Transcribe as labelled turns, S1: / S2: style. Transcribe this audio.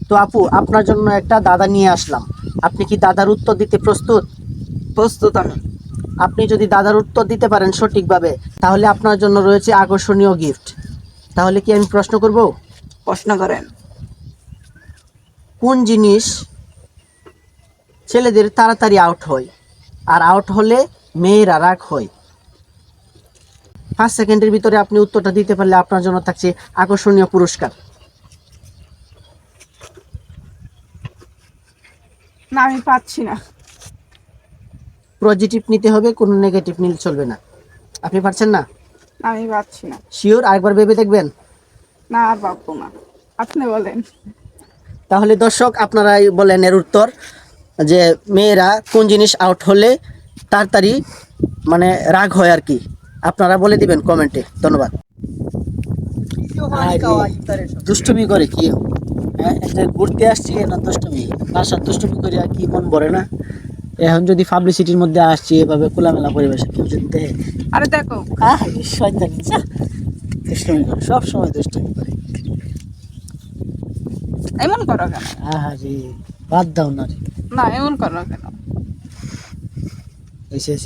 S1: তো আপু, আপনার জন্য একটা দাদা নিয়ে আসলাম। আপনি কি দাদার উত্তর দিতে প্রস্তুত?
S2: প্রস্তুত আমি।
S1: আপনি যদি দাদার উত্তর দিতে পারেন সঠিকভাবে, তাহলে আপনার জন্য রয়েছে আকর্ষণীয় গিফট। তাহলে কি আমি প্রশ্ন করব?
S2: প্রশ্ন করেন।
S1: কোন জিনিস ছেলেদের তাড়াতাড়ি আউট হয়, আর আউট হলে মেয়েরা রাগ হয়? 5 সেকেন্ডের ভিতরে আপনি উত্তরটা দিতে পারলে আপনার জন্য থাকছে আকর্ষণীয় পুরস্কার।
S2: না, আমি পাচ্ছি না।
S1: পজিটিভ নিতে হবে, কোনো নেগেটিভ নিলে চলবে না। আপনি পারছেন না?
S2: আমি পাচ্ছি না।
S1: শিওর? আরেকবার ভেবে দেখবেন।
S2: না, আর পাবো না। আপনি বলেন।
S1: তাহলে দর্শক, আপনারাই বলেন এর উত্তর, যে মেয়েরা কোন জিনিস আউট হলে তাড়াতাড়ি মানে রাগ হয় আর কি। আপনারা বলে দিবেন কমেন্টে। ধন্যবাদ। দুষ্টুমি করে কি? হ্যাঁ, একটা ঘুরতে আসছি না, দুষ্টুমি বাসার দুষ্টুমি করে আর কি মন ভরে না? এখন যদি পাবলিসিটির মধ্যে আসছি এভাবে খোলামেলা পরিবেশে, কেউ যদি দেখে,
S2: আরে দেখো।
S1: শয়তানি, দুষ্টুমি করে, সব সময় দুষ্টুমি করে।
S2: এমন করো কেন?
S1: রে, বাদ দাও না রে।
S2: না, এমন করো কেন?
S1: এসে